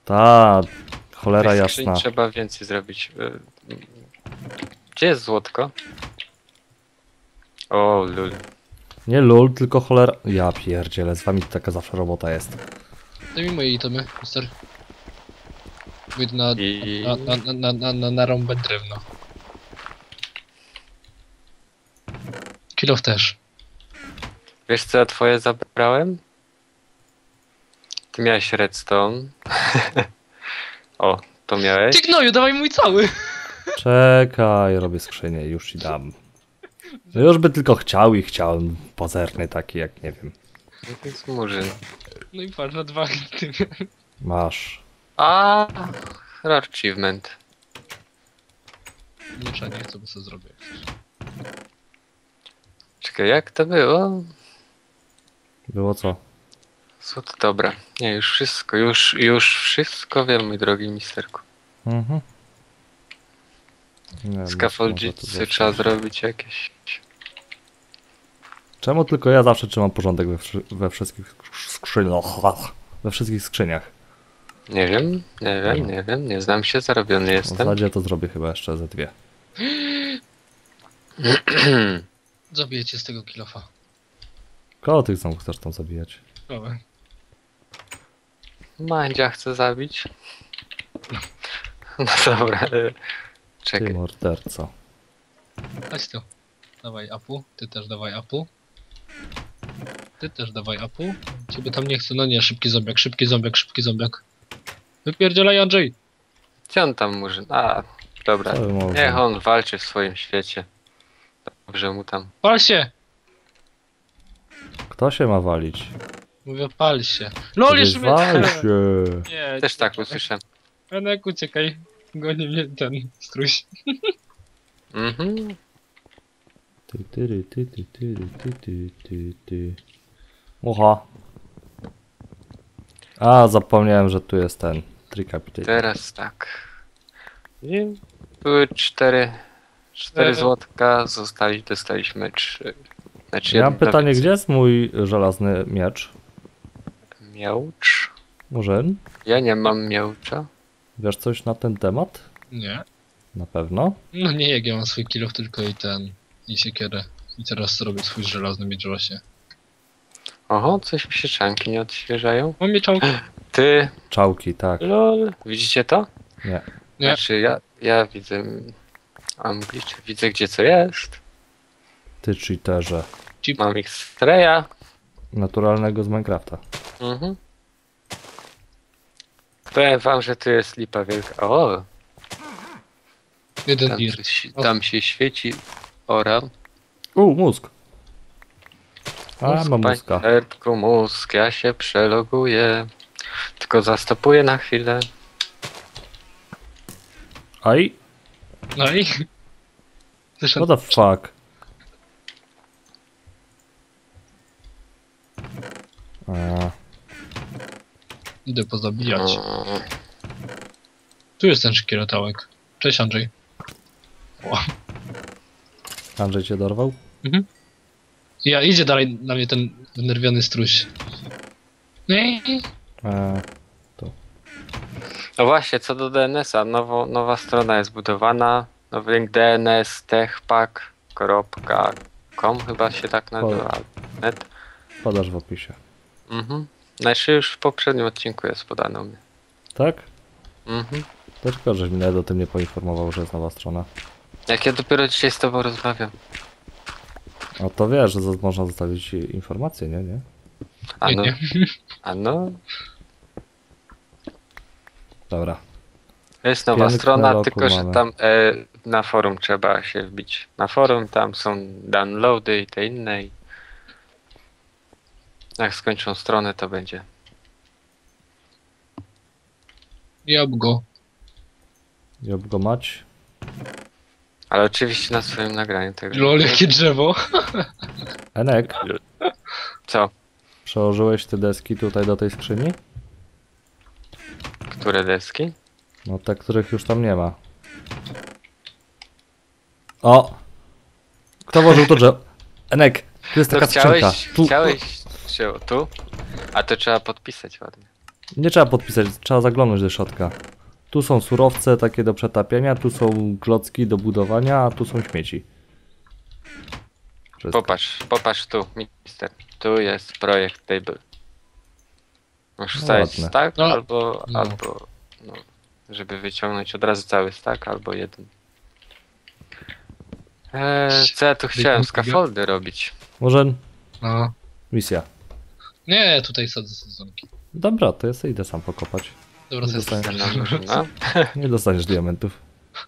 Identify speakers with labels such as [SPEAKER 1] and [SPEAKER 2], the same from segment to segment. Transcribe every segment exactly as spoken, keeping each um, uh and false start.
[SPEAKER 1] Ta cholera
[SPEAKER 2] Tych skrzyń
[SPEAKER 1] jasna.
[SPEAKER 2] trzeba więcej zrobić. Gdzie jest złotko? O, lul.
[SPEAKER 1] Nie lul, tylko cholera... Ja pierdzielę, z wami taka zawsze robota jest.
[SPEAKER 3] Daj mi moje itemy, mister. Pójdę na,
[SPEAKER 2] I...
[SPEAKER 3] na, na, na, na, na, na rąbę drewno. Kilof też.
[SPEAKER 2] Wiesz co ja twoje zabrałem? Ty miałeś redstone. O, to miałeś.
[SPEAKER 3] Ty gnoju, dawaj mój cały!
[SPEAKER 1] Czekaj, robię skrzynię, już ci dam. No już by tylko chciał i chciałem. Pozerny taki, jak nie wiem.
[SPEAKER 2] No to jest murzyn.
[SPEAKER 3] No i patrz, na dwa itemy.
[SPEAKER 1] Masz.
[SPEAKER 2] A, rare achievement.
[SPEAKER 3] Miecza nie chcę, bo sobie zrobię.
[SPEAKER 2] Czekaj, jak to było?
[SPEAKER 1] Było co?
[SPEAKER 2] Złoto, dobra. Nie, już wszystko, już, już wszystko wiem, mój drogi misterku.
[SPEAKER 1] Mhm. Nie wiem, może to
[SPEAKER 2] Scaffoldzicy
[SPEAKER 1] zawsze-
[SPEAKER 2] trzeba zrobić jakieś.
[SPEAKER 1] Czemu tylko ja zawsze trzymam porządek we, wszy- we wszystkich skrzyniach? We wszystkich skrzyniach.
[SPEAKER 2] Nie wiem, nie wiem, nie wiem, nie znam się, zarobiony
[SPEAKER 1] W
[SPEAKER 2] jestem.
[SPEAKER 1] zasadzie to zrobię chyba jeszcze ze dwie.
[SPEAKER 3] Zabiję cię z tego kilofa.
[SPEAKER 1] Kogo tych znowu chcesz tam zabijać?
[SPEAKER 3] Dobra.
[SPEAKER 2] Mandzia chce zabić. No dobra, e,
[SPEAKER 1] Ty
[SPEAKER 2] czekaj.
[SPEAKER 1] morderco.
[SPEAKER 3] Chodź tu. Dawaj apu, ty też dawaj apu. Ty też dawaj apu. Ciebie tam nie chcę, no nie, szybki zombiak, szybki zombiak, szybki zombiak. Wypierdzielaj, Andrzej!
[SPEAKER 2] Gdzie on tam murzyn? A, dobra.
[SPEAKER 1] Co wy mówię?
[SPEAKER 2] Niech on walczy w swoim świecie. Dobrze mu tam.
[SPEAKER 3] Pal się!
[SPEAKER 1] Kto się ma walić?
[SPEAKER 3] Mówię, pal się. LOL,
[SPEAKER 1] Ty
[SPEAKER 3] jeszcze mnie...
[SPEAKER 1] wal się.
[SPEAKER 3] Nie,
[SPEAKER 2] Też tak usłyszę.
[SPEAKER 3] Enek, uciekaj. Goni mnie ten struś.
[SPEAKER 2] Mhm.
[SPEAKER 1] Ty, ty, ty, ty, ty, ty, ty, ty, ty. Mucha. A, zapomniałem, że tu jest ten Tricapitator.
[SPEAKER 2] Teraz tak. I były cztery, cztery
[SPEAKER 3] E.
[SPEAKER 2] złotka, zostali, dostaliśmy trzy. Znaczy
[SPEAKER 1] Ja mam
[SPEAKER 2] jedno
[SPEAKER 1] pytanie,
[SPEAKER 2] więcej.
[SPEAKER 1] gdzie jest mój żelazny miecz?
[SPEAKER 2] Miałcz?
[SPEAKER 1] Murzyn?
[SPEAKER 2] Ja nie mam miałcza.
[SPEAKER 1] Wiesz coś na ten temat?
[SPEAKER 3] Nie.
[SPEAKER 1] Na pewno?
[SPEAKER 3] No nie, jak ja mam swój kilof tylko i ten... I siekierę. I teraz robię swój żelazny miecz właśnie.
[SPEAKER 2] Oho, coś mi się czanki nie odświeżają.
[SPEAKER 3] Mam mieczałkę.
[SPEAKER 2] Ty,
[SPEAKER 1] Czałki, tak.
[SPEAKER 2] lol. Widzicie to?
[SPEAKER 1] Nie.
[SPEAKER 3] Nie.
[SPEAKER 2] Znaczy ja, ja widzę... Anglicznie widzę gdzie co jest.
[SPEAKER 1] Ty cheaterze.
[SPEAKER 2] Mam ich streja.
[SPEAKER 1] Naturalnego z Minecrafta.
[SPEAKER 2] Mhm. Powiem wam, że tu jest lipa wielka. O,
[SPEAKER 3] Jeden
[SPEAKER 2] tam,
[SPEAKER 3] dir.
[SPEAKER 2] się- tam się świeci ora.
[SPEAKER 1] U, mózg. A,
[SPEAKER 2] Mózg,
[SPEAKER 1] mam
[SPEAKER 2] panie
[SPEAKER 1] mózga.
[SPEAKER 2] Nerdku, mózg, ja się przeloguję. Tylko zastopuję na chwilę.
[SPEAKER 1] Aj,
[SPEAKER 3] No i... Zresztą...
[SPEAKER 1] what the fuck? A,
[SPEAKER 3] Idę pozabijać.
[SPEAKER 2] Mm,
[SPEAKER 3] Tu jest ten szkieletałek. Cześć, Andrzej. O.
[SPEAKER 1] Andrzej cię dorwał?
[SPEAKER 3] Ja, idzie dalej na mnie ten wnerwiony struś. Nie.
[SPEAKER 1] A,
[SPEAKER 2] No właśnie, co do D N S a, nowo, nowa strona jest budowana. Nowy link D N S techpack kropka com chyba się tak nazywa. Net.
[SPEAKER 1] podasz w opisie.
[SPEAKER 2] Mhm. Znaczy już w poprzednim odcinku jest podane u mnie.
[SPEAKER 1] Tak?
[SPEAKER 2] Mhm.
[SPEAKER 1] To tylko, żeś mnie o tym nie poinformował, że jest nowa strona.
[SPEAKER 2] Jak ja dopiero dzisiaj z tobą rozmawiam.
[SPEAKER 1] No to wiesz, że z- można zostawić informacje, nie? Nie?
[SPEAKER 2] A
[SPEAKER 3] Nie,
[SPEAKER 2] no,
[SPEAKER 3] nie.
[SPEAKER 2] a no.
[SPEAKER 1] Dobra.
[SPEAKER 2] Jest nowa
[SPEAKER 1] Piękne
[SPEAKER 2] strona,
[SPEAKER 1] logo
[SPEAKER 2] tylko że
[SPEAKER 1] mamy.
[SPEAKER 2] tam e, na forum trzeba się wbić. Na forum tam są downloady i te inne. I jak skończą stronę, to będzie.
[SPEAKER 3] Jab go.
[SPEAKER 1] Job go mać.
[SPEAKER 2] Ale oczywiście na swoim nagraniu tego.
[SPEAKER 3] Lol, jakie drzewo.
[SPEAKER 1] Enek,
[SPEAKER 2] Co?
[SPEAKER 1] przełożyłeś te deski tutaj do tej skrzyni?
[SPEAKER 2] Które deski?
[SPEAKER 1] No te, których już tam nie ma. O! Kto włożył to drzewo? Enek, tu jest
[SPEAKER 2] To
[SPEAKER 1] taka skrzynka.
[SPEAKER 2] chciałeś,
[SPEAKER 1] Tu.
[SPEAKER 2] chciałeś się tu? A to trzeba podpisać ładnie.
[SPEAKER 1] Nie trzeba podpisać, trzeba zaglądnąć do środka. Tu są surowce takie do przetapiania, tu są klocki do budowania, a tu są śmieci. Wszystko.
[SPEAKER 2] Popatrz, popatrz tu, mister. Tu jest projekt table. Możesz
[SPEAKER 1] No
[SPEAKER 2] wstawić
[SPEAKER 1] ładne.
[SPEAKER 2] stack,
[SPEAKER 3] No.
[SPEAKER 2] albo,
[SPEAKER 3] No.
[SPEAKER 2] albo, no, żeby wyciągnąć od razu cały stack, albo jeden. Eee, co ja tu chciałem? Scaffoldy robić.
[SPEAKER 1] Może
[SPEAKER 3] No.
[SPEAKER 1] misja.
[SPEAKER 3] Nie, tutaj sadzę sezonki.
[SPEAKER 1] Dobra, to ja sobie idę sam pokopać.
[SPEAKER 3] Dobra, to jest
[SPEAKER 1] Dostałem.
[SPEAKER 2] Jedna drużyna.
[SPEAKER 1] Nie dostaniesz diamentów.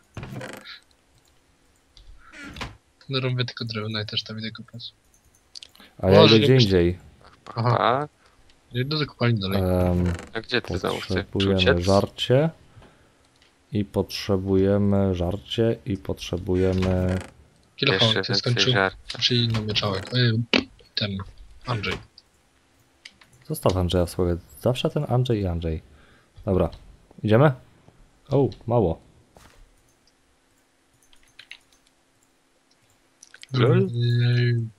[SPEAKER 3] No robię tylko drewno i też tam idę kopać.
[SPEAKER 1] A ja
[SPEAKER 3] Może
[SPEAKER 1] idę gdzie
[SPEAKER 3] jakoś-
[SPEAKER 1] indziej.
[SPEAKER 3] Aha.
[SPEAKER 2] Tak.
[SPEAKER 3] Idę do kopalni dalej.
[SPEAKER 1] Em,
[SPEAKER 2] A gdzie ty znowu chcesz
[SPEAKER 1] potrzebujemy
[SPEAKER 2] uciec?
[SPEAKER 1] żarcie. I potrzebujemy żarcie. I potrzebujemy...
[SPEAKER 3] Kilofa,
[SPEAKER 2] Jeszcze
[SPEAKER 3] ty
[SPEAKER 2] więcej
[SPEAKER 3] skończył.
[SPEAKER 2] żart.
[SPEAKER 3] Czyli inną mieczałek. Ej, ten. Andrzej.
[SPEAKER 1] Zostaw Andrzeja w słowie. Zawsze ten Andrzej i Andrzej. Dobra. Idziemy? O, mało.
[SPEAKER 2] Lol.
[SPEAKER 3] Ej,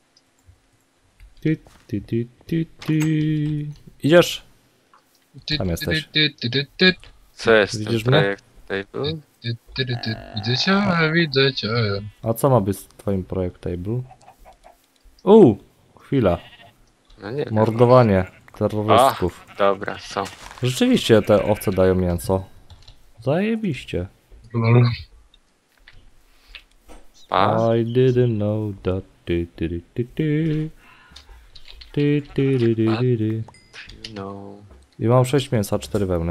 [SPEAKER 1] Ty, ty, ty, ty, ty. Idziesz?
[SPEAKER 3] ty,
[SPEAKER 1] Tam
[SPEAKER 3] ty,
[SPEAKER 1] jesteś.
[SPEAKER 3] ty, ty, ty, ty,
[SPEAKER 2] Co jest
[SPEAKER 1] Widzisz
[SPEAKER 2] ten
[SPEAKER 1] mnie?
[SPEAKER 2] projekt table?
[SPEAKER 3] ty, ty, ty, ty. Widzę cię, widzę cię.
[SPEAKER 1] A co ma być z twoim projekt table? Uuu, chwila.
[SPEAKER 2] No nie wiem.
[SPEAKER 1] Mordowanie terrorystów.
[SPEAKER 2] Dobra, są.
[SPEAKER 1] Rzeczywiście te owce dają mięso. Zajebiście.
[SPEAKER 3] Lol.
[SPEAKER 2] Pa.
[SPEAKER 1] I didn't know that. Ty, ty, ty, ty, ty. Ty, ty, ty, ty, ty, ty.
[SPEAKER 2] No.
[SPEAKER 1] I mam sześć mięsa, cztery wełny.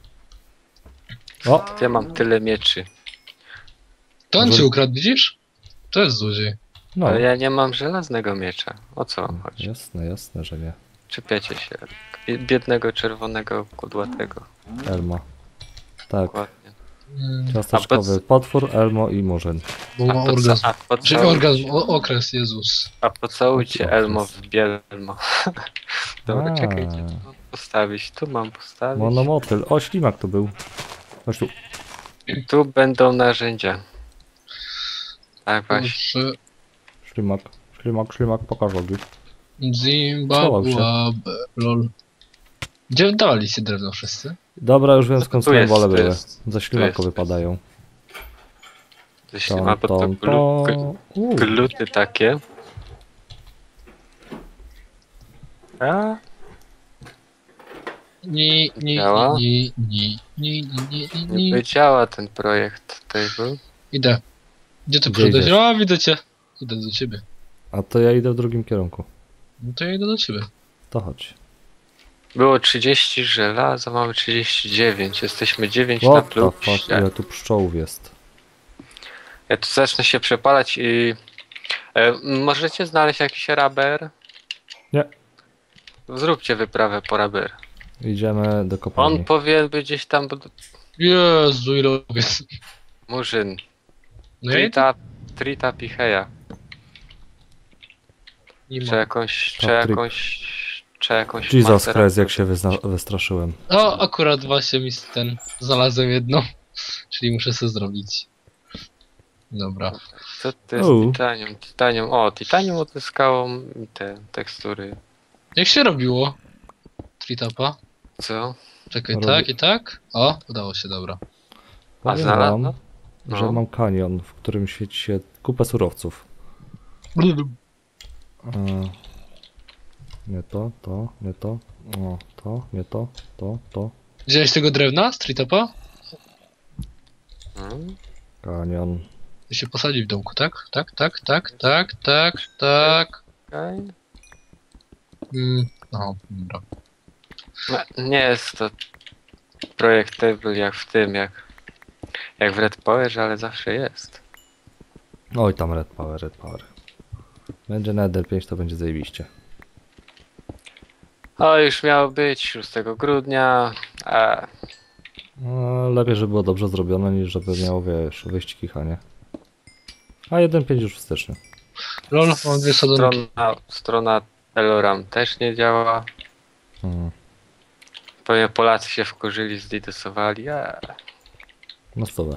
[SPEAKER 1] O!
[SPEAKER 2] Ja mam tyle mieczy.
[SPEAKER 3] To on
[SPEAKER 1] Może-
[SPEAKER 3] ci ukradł, widzisz? To jest złodziej.
[SPEAKER 1] No,
[SPEAKER 2] Ale ja nie mam żelaznego miecza. O co wam chodzi?
[SPEAKER 1] jasne, jasne, że nie.
[SPEAKER 2] Czepiacie się. Bie- Biednego, czerwonego, kudłatego.
[SPEAKER 1] Elma. Tak,
[SPEAKER 2] Dokładnie.
[SPEAKER 3] Mm,
[SPEAKER 1] ciasteczkowy
[SPEAKER 2] A po
[SPEAKER 1] potwór, Elmo i murzyn.
[SPEAKER 3] Bo ma
[SPEAKER 2] A, poca-
[SPEAKER 3] orgazm.
[SPEAKER 2] a,
[SPEAKER 3] Czyli
[SPEAKER 2] pocałujcie,
[SPEAKER 3] orgazm, o, okres, Jezus.
[SPEAKER 2] a pocałujcie
[SPEAKER 1] Jaki
[SPEAKER 2] Elmo
[SPEAKER 1] okres?
[SPEAKER 2] w bielmo. Dobra,
[SPEAKER 1] A.
[SPEAKER 2] czekajcie. Tu mam postawić, tu mam postawić.
[SPEAKER 1] Monomotyl. O, ślimak to był. Chodź tu.
[SPEAKER 2] Tu będą narzędzia. Tak właśnie.
[SPEAKER 3] Kurczę.
[SPEAKER 1] Ślimak, ślimak, ślimak, pokaż ogi.
[SPEAKER 3] Zimbabwe, lol. Gdzie dawali się drewno wszyscy?
[SPEAKER 1] Dobra, już wiem
[SPEAKER 2] Tu
[SPEAKER 1] skąd
[SPEAKER 2] jest,
[SPEAKER 1] swoje wole
[SPEAKER 2] tu
[SPEAKER 1] były.
[SPEAKER 2] jest,
[SPEAKER 1] Ze ślimaka
[SPEAKER 2] jest.
[SPEAKER 1] wypadają.
[SPEAKER 2] Jeśli
[SPEAKER 1] Ton,
[SPEAKER 2] ma pod to
[SPEAKER 1] ton,
[SPEAKER 2] glu-
[SPEAKER 1] ton.
[SPEAKER 2] gl-
[SPEAKER 1] Uuu,
[SPEAKER 2] gluty takie. A?
[SPEAKER 3] Ni, ni,
[SPEAKER 2] Działa?
[SPEAKER 3] ni, ni, ni, ni, ni, ni,
[SPEAKER 2] Nie
[SPEAKER 3] ni.
[SPEAKER 2] wiedziała ten projekt table.
[SPEAKER 3] Idę. Gdzie ty
[SPEAKER 1] Gdzie
[SPEAKER 3] przyszedłeś?
[SPEAKER 1] idziesz?
[SPEAKER 3] O, widzę cię. Idę do ciebie.
[SPEAKER 1] a to ja idę w drugim kierunku.
[SPEAKER 3] No to ja idę do ciebie.
[SPEAKER 1] To chodź.
[SPEAKER 2] Było trzydzieści żelaza, mamy trzydzieści dziewięć. Jesteśmy dziewięć na
[SPEAKER 1] What the
[SPEAKER 2] plus.
[SPEAKER 1] fuck, ile tu pszczołów jest.
[SPEAKER 2] Ja tu zacznę się przepalać i... E, możecie znaleźć jakiś raber?
[SPEAKER 1] Nie.
[SPEAKER 2] Zróbcie wyprawę po raber.
[SPEAKER 1] Idziemy do kopalni.
[SPEAKER 2] On powinien być gdzieś tam... bud-
[SPEAKER 3] Jezu, ile jest.
[SPEAKER 2] Murzyn.
[SPEAKER 3] No ja idę.
[SPEAKER 2] Trita, Trita Picheja.
[SPEAKER 3] Nie
[SPEAKER 2] Czy
[SPEAKER 3] ma.
[SPEAKER 2] jakąś... Czy
[SPEAKER 1] Patryk.
[SPEAKER 2] jakąś... Czy jakąś...
[SPEAKER 1] Jesus
[SPEAKER 2] macerę-
[SPEAKER 1] Christ, jak się wyzna- wystraszyłem.
[SPEAKER 3] O, akurat właśnie mi ten znalazłem jedno. Czyli muszę sobie zrobić. Dobra.
[SPEAKER 2] Co to jest
[SPEAKER 1] O.
[SPEAKER 2] titanium? Titanium... O, titanium odzyskało mi te tekstury.
[SPEAKER 3] Jak się robiło? Tritapa?
[SPEAKER 2] Co?
[SPEAKER 3] Czekaj,
[SPEAKER 1] Robię-
[SPEAKER 3] tak i tak? O, udało się, dobra.
[SPEAKER 2] A
[SPEAKER 1] Powiem
[SPEAKER 2] znalazł?
[SPEAKER 1] wam,
[SPEAKER 2] No.
[SPEAKER 1] że mam kanion, w którym świeci się kupę surowców. E, nie to, to, nie to, o, to, nie to, to, to.
[SPEAKER 3] Wziąłeś tego drewna z Tritapa?
[SPEAKER 2] Hmm?
[SPEAKER 1] Kanion.
[SPEAKER 3] I się posadzi w domku, tak? Tak, tak, tak, tak, tak, tak.
[SPEAKER 2] Okej.
[SPEAKER 3] Mm, no, dobra.
[SPEAKER 2] No, nie jest to projekt table jak w tym, jak, jak w Red Power, ale zawsze jest.
[SPEAKER 1] Oj, tam Red Power, Red Power. Będzie Nether pięć, to będzie zajebiście.
[SPEAKER 2] O, już miało być szóstego grudnia, a
[SPEAKER 1] No, lepiej, żeby było dobrze zrobione, niż żeby miało, wiesz, wyjść kichanie. A jeden pięć już w styczniu.
[SPEAKER 3] Lol, mam dwie sadzonki.
[SPEAKER 2] strona, strona Eloram też nie działa.
[SPEAKER 1] Hmm.
[SPEAKER 2] Pewnie Polacy się wkurzyli, zdidosowali, a
[SPEAKER 1] No stówę.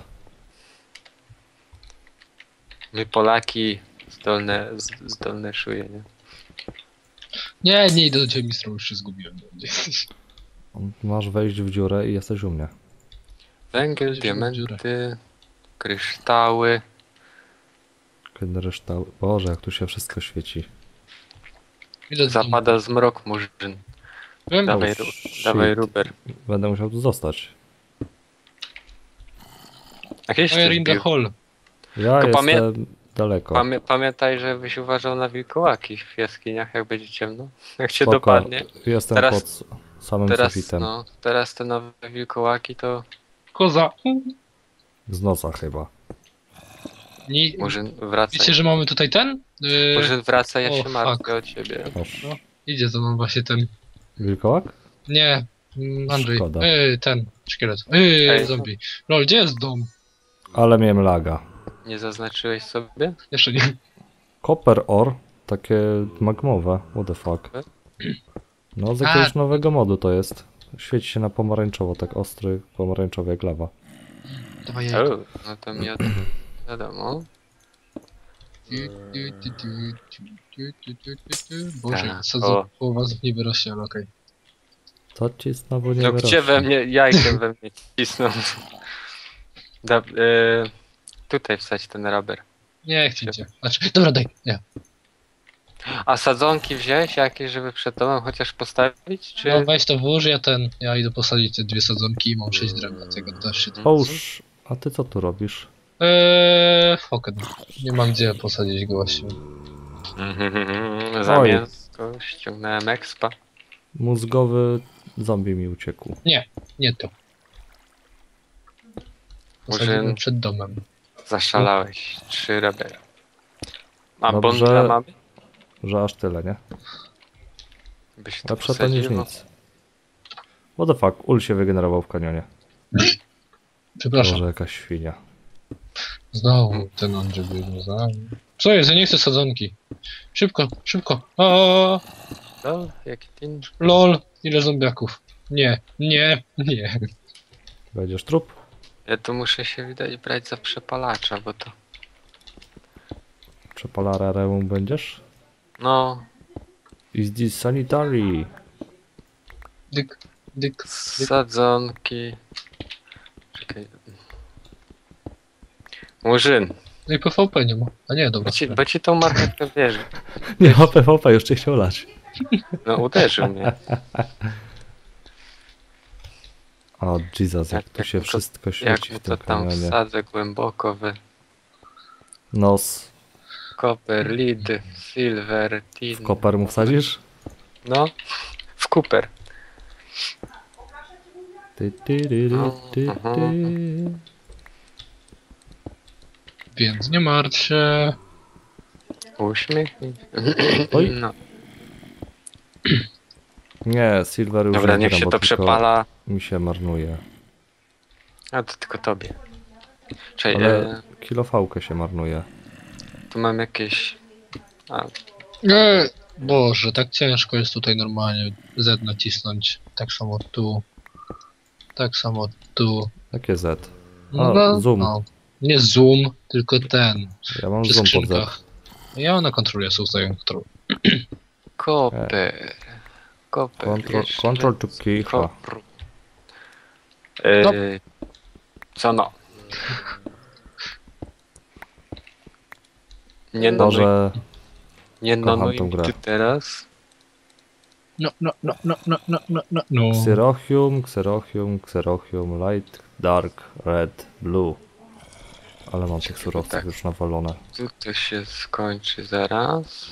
[SPEAKER 2] my Polaki zdolne, z- zdolne szuje, nie?
[SPEAKER 3] Nie, nie idę do ciebie, mistrzu, już się zgubiłem.
[SPEAKER 1] Masz wejść w dziurę i jesteś u mnie.
[SPEAKER 2] Węgiel,
[SPEAKER 3] Wejść w dziurę.
[SPEAKER 2] diamenty, kryształy.
[SPEAKER 1] Kiedy reszta... Boże, jak tu się wszystko świeci.
[SPEAKER 3] Idę do domu.
[SPEAKER 2] Zapada zmrok, murzyn.
[SPEAKER 3] Wiem,
[SPEAKER 2] Dawaj,
[SPEAKER 1] Oh,
[SPEAKER 2] ru-
[SPEAKER 1] shit.
[SPEAKER 2] dawaj Ruber.
[SPEAKER 1] Będę musiał tu zostać.
[SPEAKER 2] Jakieś
[SPEAKER 3] fire
[SPEAKER 2] ty
[SPEAKER 3] in the
[SPEAKER 2] wbił.
[SPEAKER 3] hall.
[SPEAKER 1] Ja
[SPEAKER 2] Tylko pamię-
[SPEAKER 1] jestem daleko.
[SPEAKER 2] Pamię pamiętaj, żebyś uważał na wilkołaki w jaskiniach, jak będzie ciemno. Jak cię
[SPEAKER 1] Spoko.
[SPEAKER 2] dopadnie.
[SPEAKER 1] Jestem
[SPEAKER 2] Teraz-
[SPEAKER 1] pod samym
[SPEAKER 2] Teraz,
[SPEAKER 1] sufitem.
[SPEAKER 2] no, teraz te nowe wilkołaki to
[SPEAKER 3] Koza.
[SPEAKER 1] Z nosa chyba.
[SPEAKER 3] Nie,
[SPEAKER 2] murzyn wraca.
[SPEAKER 3] wiecie, że mamy tutaj ten? Yy,
[SPEAKER 2] Murzyn wraca, ja
[SPEAKER 3] o,
[SPEAKER 2] się
[SPEAKER 3] fuck.
[SPEAKER 2] martwię o ciebie.
[SPEAKER 1] Oż.
[SPEAKER 3] No. Idzie to nam właśnie ten.
[SPEAKER 1] Wilkołak?
[SPEAKER 3] Nie, mm, Andrzej.
[SPEAKER 1] Szkoda.
[SPEAKER 3] Yy, ten, szkielet. Yy,
[SPEAKER 2] Ej.
[SPEAKER 3] zombie. Lol, gdzie jest dom?
[SPEAKER 1] Ale miałem laga.
[SPEAKER 2] Nie zaznaczyłeś sobie?
[SPEAKER 3] Jeszcze nie.
[SPEAKER 1] Copper ore? Takie magmowe. What the fuck? No z jakiegoś
[SPEAKER 3] A.
[SPEAKER 1] nowego modu to jest. Świeci się na pomarańczowo, tak ostry, pomarańczowy jak lawa.
[SPEAKER 3] Dawaj jajko.
[SPEAKER 2] O, no to mi o tym wiadomo.
[SPEAKER 3] Tu, tu, tu, tu, tu, tu, tu, tu, tu. Boże,
[SPEAKER 2] Tak,
[SPEAKER 3] sadzę
[SPEAKER 2] o.
[SPEAKER 3] połowa z nie wyrośnie, ale okej.
[SPEAKER 1] Co ci znowu nie
[SPEAKER 2] No
[SPEAKER 1] wyrośnie?
[SPEAKER 2] gdzie we mnie, jajkiem we mnie cisną. Da, y, tutaj wsadź ten rubber.
[SPEAKER 3] Nie chcecie. Znaczy, dobra, daj. Nie.
[SPEAKER 2] A sadzonki wziąłeś jakieś, żeby przed domem chociaż postawić, czy...
[SPEAKER 3] No weź to włóż, ja ten. Ja idę posadzić te dwie sadzonki i mam sześć drewna, tego też się to.
[SPEAKER 1] Oż, a ty co tu robisz?
[SPEAKER 3] Eee, foken. Nie mam gdzie posadzić go właśnie.
[SPEAKER 2] Za
[SPEAKER 1] Oj.
[SPEAKER 2] mięsko ściągnąłem expa.
[SPEAKER 1] Mózgowy zombie mi uciekł.
[SPEAKER 3] Nie to. Posadzimy
[SPEAKER 2] Murzyn.
[SPEAKER 3] przed domem.
[SPEAKER 2] Zaszalałeś. Trzy rubber. A
[SPEAKER 1] Dobrze.
[SPEAKER 2] bondla mamy?
[SPEAKER 1] Że aż tyle, nie?
[SPEAKER 2] Byś to
[SPEAKER 1] Lepsze to niż
[SPEAKER 2] posadził?
[SPEAKER 1] nic. What the fuck? Ul się wygenerował w kanionie.
[SPEAKER 3] Przepraszam.
[SPEAKER 1] Może jakaś świnia.
[SPEAKER 3] Znowu ten Andrzej biegnie za nami. Co jest? Ja nie chcę sadzonki. Szybko, szybko. O,
[SPEAKER 2] No, jaki tin.
[SPEAKER 3] lol. Ile zombiaków? Nie, nie, nie.
[SPEAKER 1] Będziesz trup?
[SPEAKER 2] Ja tu muszę się widać brać za przepalacza, bo to...
[SPEAKER 1] Przepalararem będziesz?
[SPEAKER 2] No,
[SPEAKER 1] Is this sanitary?
[SPEAKER 3] Dyk, dyk.
[SPEAKER 2] sadzonki... Czekaj. Murzyn,
[SPEAKER 3] No i P V P nie ma. A nie, dobra.
[SPEAKER 2] bo ci, bo ci tą marchewkę wierzy.
[SPEAKER 1] Nie ma P V P, już cię chciał lać.
[SPEAKER 2] No uderzył mnie.
[SPEAKER 1] O Jesus, jak
[SPEAKER 2] Jak-
[SPEAKER 1] tu się
[SPEAKER 2] jak mu to-
[SPEAKER 1] wszystko
[SPEAKER 2] Jak
[SPEAKER 1] świeci
[SPEAKER 2] mu
[SPEAKER 1] w
[SPEAKER 2] to
[SPEAKER 1] tym
[SPEAKER 2] tam
[SPEAKER 1] kanionie.
[SPEAKER 2] wsadzę głęboko w
[SPEAKER 1] Nos.
[SPEAKER 2] copper, lead, silver, tin.
[SPEAKER 1] W koper mu wsadzisz?
[SPEAKER 2] No, w Cooper.
[SPEAKER 1] Ty, ty, ty, ty, ty,
[SPEAKER 2] Aha.
[SPEAKER 1] ty.
[SPEAKER 3] Więc nie martw się.
[SPEAKER 2] Uśmiech.
[SPEAKER 1] Oj.
[SPEAKER 2] No.
[SPEAKER 1] Nie, Silver już
[SPEAKER 2] Dobra,
[SPEAKER 1] nie
[SPEAKER 2] niech
[SPEAKER 1] gram,
[SPEAKER 2] się
[SPEAKER 1] bo
[SPEAKER 2] to
[SPEAKER 1] tylko
[SPEAKER 2] przepala.
[SPEAKER 1] mi się marnuje.
[SPEAKER 2] A to tylko tobie. Czyli
[SPEAKER 1] Ale
[SPEAKER 2] e,
[SPEAKER 1] kilofałkę się marnuje.
[SPEAKER 2] tu mam jakieś... A,
[SPEAKER 3] Nie. Boże, tak ciężko jest tutaj normalnie Z nacisnąć. Tak samo tu. Tak samo tu.
[SPEAKER 1] Jakie Z?
[SPEAKER 3] No,
[SPEAKER 1] A, zoom.
[SPEAKER 3] No. Nie zoom, tylko ten.
[SPEAKER 1] Ja mam
[SPEAKER 3] Przy
[SPEAKER 1] zoom pod Z.
[SPEAKER 3] skrzynkach. Ja na kontrolę sobie ustawiam kontrolę.
[SPEAKER 2] Koper. Koper.
[SPEAKER 1] Control,
[SPEAKER 2] jeszcze
[SPEAKER 1] control to kicha.
[SPEAKER 2] kopr. E,
[SPEAKER 3] No.
[SPEAKER 2] Co no? Nie nonuj,
[SPEAKER 1] Może
[SPEAKER 2] nie
[SPEAKER 1] kocham
[SPEAKER 2] nonuj
[SPEAKER 1] tą grę.
[SPEAKER 2] ty teraz.
[SPEAKER 3] No, no, no, no, no, no, no, no, no.
[SPEAKER 1] Xerochium, Xerochium, Xerochium, Light, Dark, Red, Blue. Ale mam tych surowców
[SPEAKER 2] tak.
[SPEAKER 1] już nawalone.
[SPEAKER 2] Tu to się skończy zaraz.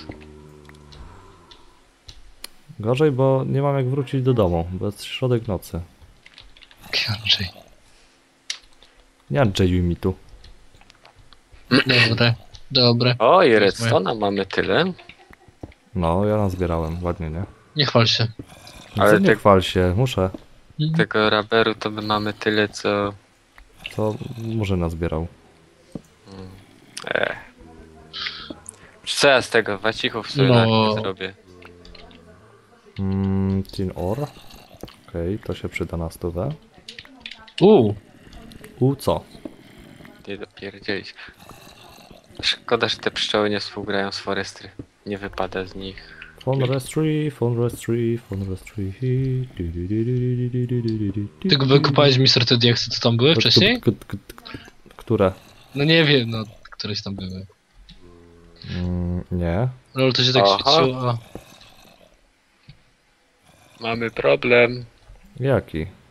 [SPEAKER 1] Gorzej, bo nie mam jak wrócić do domu, bo jest środek nocy.
[SPEAKER 3] Andrzej.
[SPEAKER 1] Nie Andrzejuj mi tu.
[SPEAKER 3] Dobre, dobre.
[SPEAKER 2] O, i
[SPEAKER 3] jest
[SPEAKER 2] redstone'a mamy tyle.
[SPEAKER 1] No, ja nazbierałem, ładnie, nie?
[SPEAKER 3] Nie chwal się.
[SPEAKER 1] Ale
[SPEAKER 2] Ale
[SPEAKER 1] nie
[SPEAKER 2] ty-
[SPEAKER 1] chwal się, muszę.
[SPEAKER 3] Mhm.
[SPEAKER 2] Tego raberu to my mamy tyle, co...
[SPEAKER 1] To może nazbierał.
[SPEAKER 2] E. Co ja z tego wacichów sobie
[SPEAKER 3] No.
[SPEAKER 2] no. zrobię?
[SPEAKER 1] Mm, tin ore. Okej, to się przyda na stówę.
[SPEAKER 3] Uuu,
[SPEAKER 1] U co?
[SPEAKER 2] Nie dopierdzielić. Szkoda, że te pszczoły nie współgrają z forestry. Nie wypada z nich.
[SPEAKER 1] Phone registry, phone registry, phone registry.
[SPEAKER 3] Ty wykopałeś mister te diaksy, co tam były wcześniej?
[SPEAKER 1] K- k- k- Które?
[SPEAKER 3] No nie wiem, no, któreś tam były.
[SPEAKER 1] Mm, nie.
[SPEAKER 3] No ale to się tak
[SPEAKER 2] Aha.
[SPEAKER 3] świeciło, a...
[SPEAKER 2] Mamy problem.
[SPEAKER 1] Jaki?